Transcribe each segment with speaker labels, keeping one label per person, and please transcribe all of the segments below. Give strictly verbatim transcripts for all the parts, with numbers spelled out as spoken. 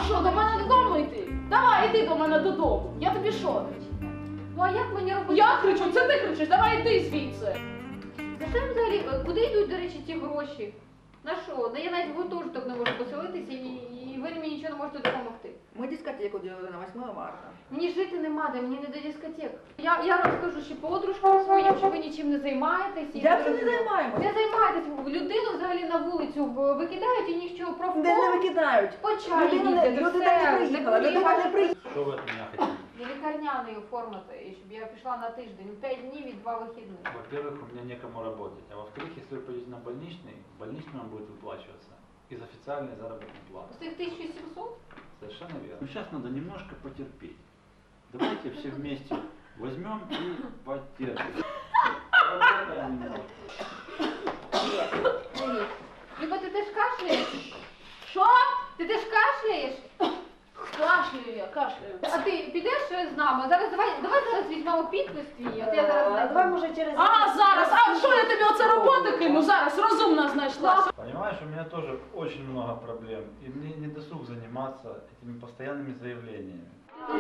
Speaker 1: що, до мене додому йти? Давай, іди до мене додому. Я тобі що?
Speaker 2: Ну а як мені робити?
Speaker 1: Я кричу, це ти кричиш, давай йди звідси.
Speaker 2: За що взагалі, куди йдуть, до речі, ті гроші? На що? Ну, я навіть в гуртожиток не можу поселитися і, і ви мені нічого не можете допомогти.
Speaker 3: Мы дискотеку делали на восьмое марта.
Speaker 2: Мені жити нема де, мені не до дискотек. Я, я розкажу ще подружкам своїм, що ви нічим не займаєтесь. і
Speaker 3: Як
Speaker 2: ви-
Speaker 3: це не займаємося?
Speaker 2: Не займаєтесь. Людину взагалі на вулицю викидають і нічого про
Speaker 3: Де не викидають?
Speaker 2: По чаю
Speaker 3: Людина не,
Speaker 2: їздять,
Speaker 3: людина
Speaker 2: все,
Speaker 3: не приїхала, людина не приїхала.
Speaker 4: Что вы от меня хотите?
Speaker 2: Я лікарняний оформити, і щоб я пішла на тиждень, п'ять днів і два вихідних.
Speaker 4: Во-первых, у меня некому работать, а во-вторых, если вы пойдете на больничный, больничный вам будет выплачиваться из официальной заработной платы.
Speaker 2: З тих тисяча сімсот?
Speaker 4: Совершенно верно. Ну, сейчас надо немножко потерпеть. Давайте все вместе возьмем и потерпим. Поработаем немножко.
Speaker 2: Привіт. Люба, ти теж кашляєш?
Speaker 1: Що?
Speaker 2: Ти теж кашляєш?
Speaker 1: Кашляю я, кашляю.
Speaker 2: А ти підеш з нами? Зараз давай, давай зараз візьмемо підпис твій, от я зараз знайду.
Speaker 3: Давай, може, через...
Speaker 1: А, зараз, а що я тобі оце роботи кину? Зараз розумна знайшла.
Speaker 4: Понимаешь, у меня тоже очень много проблем, и мне не досуг заниматься этими постоянными заявлениями.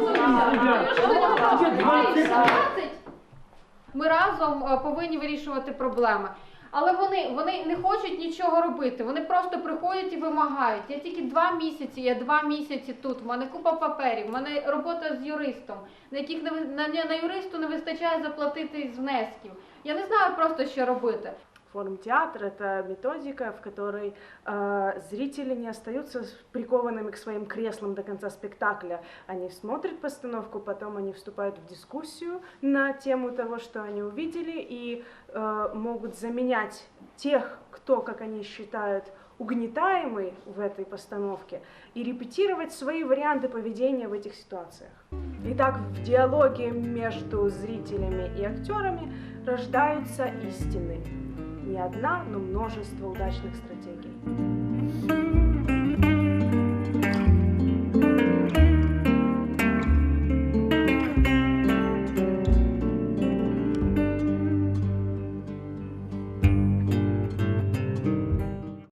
Speaker 2: двадцять. Ми разом е, повинні вирішувати проблеми. Але вони, вони не хочуть нічого робити, вони просто приходять і вимагають. Я тільки два місяці, я два місяці тут, в мене купа паперів, в мене робота з юристом, на яких не, ви- на, на юристу не вистачає заплатити з внесків. Я не знаю просто, що робити.
Speaker 5: Форум театр – это методика, в которой э, зрители не остаются прикованными к своим креслам до конца спектакля. Они смотрят постановку, потом они вступают в дискуссию на тему того, что они увидели, и э, могут заменять тех, кто, как они считают, угнетаемый в этой постановке, и репетировать свои варианты поведения в этих ситуациях. Итак, в диалоге между зрителями и актерами рождаются истины. Не одна, но множество удачных стратегий.